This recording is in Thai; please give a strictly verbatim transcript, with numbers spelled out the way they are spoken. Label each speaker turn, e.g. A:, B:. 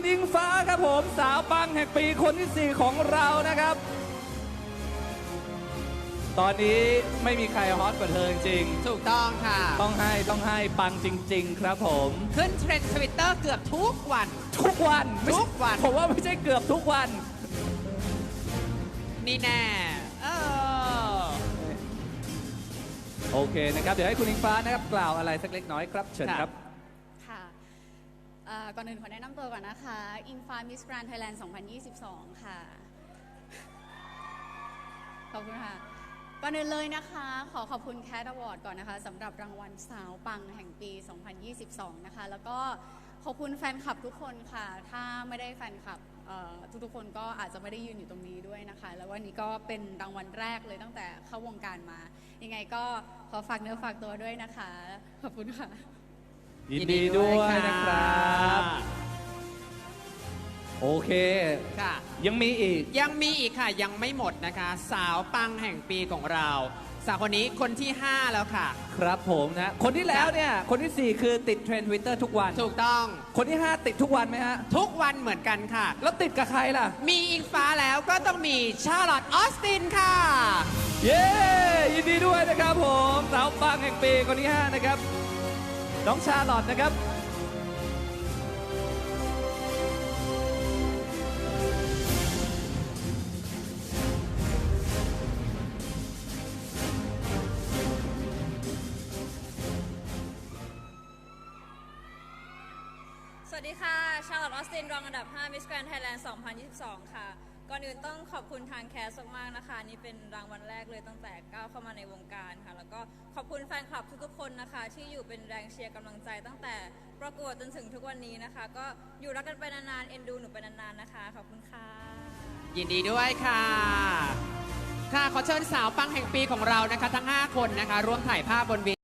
A: อิงฟ้าครับผมสาวปังแห่งปีคนที่สี่ของเรานะครับ ตอนนี้ไม่มีใครฮอตกว่าเธอจริง
B: ถูกต้องค่ะ
A: ต้องให้ต้องให้ปังจริงๆครับผม
B: ขึ้นเทรนด์ทวิตเตอร์เกือบทุกวัน
A: ทุกวันไม่ใช่
B: ทุกวัน
A: ผมว่าไม่ใช่เกือบทุกวัน
B: นี่แน่เออ
A: โอเคนะครับ เดี๋ยวให้คุณอิงฟ้านะครับกล่าวอะไรสักเล็กน้อยครับเชิญครับ
C: ค่ะเอ่อก่อนอื่นขอแนะนำตัวก่อนนะคะ อิงฟ้ามิสแกรนด์ไทยแลนด์สองพันยี่สิบสอง ค่ะ ขอบคุณค่ะ ก่อนอื่นเลยนะคะ ขอขอบคุณแคทอวอร์ดก่อนนะคะสำหรับรางวัลสาวปังแห่งปี สองพันยี่สิบสอง นะคะ แล้วก็ขอบคุณแฟนคลับทุกคนค่ะ ถ้าไม่ได้แฟนคลับเอ่อทุกๆคนก็อาจจะไม่ได้ยืนอยู่ตรงนี้ด้วยนะคะ แล้ววันนี้ก็เป็นรางวัลแรกเลยตั้งแต่เข้าวงการมา ยังไงก็ขอฝากเนื้อฝากตัวด้วยนะคะ ขอบคุณค่ะ
A: ยินดีด้วยนะครับ โอเค
B: ค่ะ
A: ยังมีอีก
B: ยังมีอีกค่ะ ยังไม่หมดนะคะ สาวปังแห่งปีของเรา สาวคนนี้คนที่ ห้า แล้วค่ะ
A: ครับผมนะ คนที่แล้วเนี่ย คนที่สี่คือติดเทรนด์ทวิตเตอร์ทุกวัน
B: ถูกต้อง
A: คนที่ห้าติดทุกวันไหมฮะ
B: ทุกวันเหมือนกันค่ะ
A: แล้วติดกับใครล่ะ
B: มีอิงฟ้าแล้วก็ต้องมีชาร์ลอตออสตินค่ะ
A: เย้ ยินดีด้วยนะครับผม สาวปังแห่งปีคนที่ห้านะครับ น้องชาลอตนะครับ
D: สวัสดีค่ะ ชาร์ลอตออสติน รองอันดับ ห้า Miss Grand Thailand สองพันยี่สิบสอง ค่ะ ก่อนอื่นต้องขอบคุณทางแคสมากๆนะคะ นี่เป็นรางวัลแรกเลยตั้งแต่ก้าวเข้ามาในวงการค่ะ แล้วก็ขอบคุณแฟนคลับทุกๆคนนะคะ ที่อยู่เป็นแรงเชียร์กำลังใจตั้งแต่ประกวดจนถึงทุกวันนี้นะคะ ก็อยู่รักกันไปนานๆ เอ็นดูหนูไปนานๆนะคะ ขอบคุณค่ะ
B: ยินดีด้วยค่ะ ค่ะ ขอเชิญสาวปังแห่งปีของเรานะคะ ทั้ง ห้า คนนะคะ ร่วมถ่ายภาพบนเว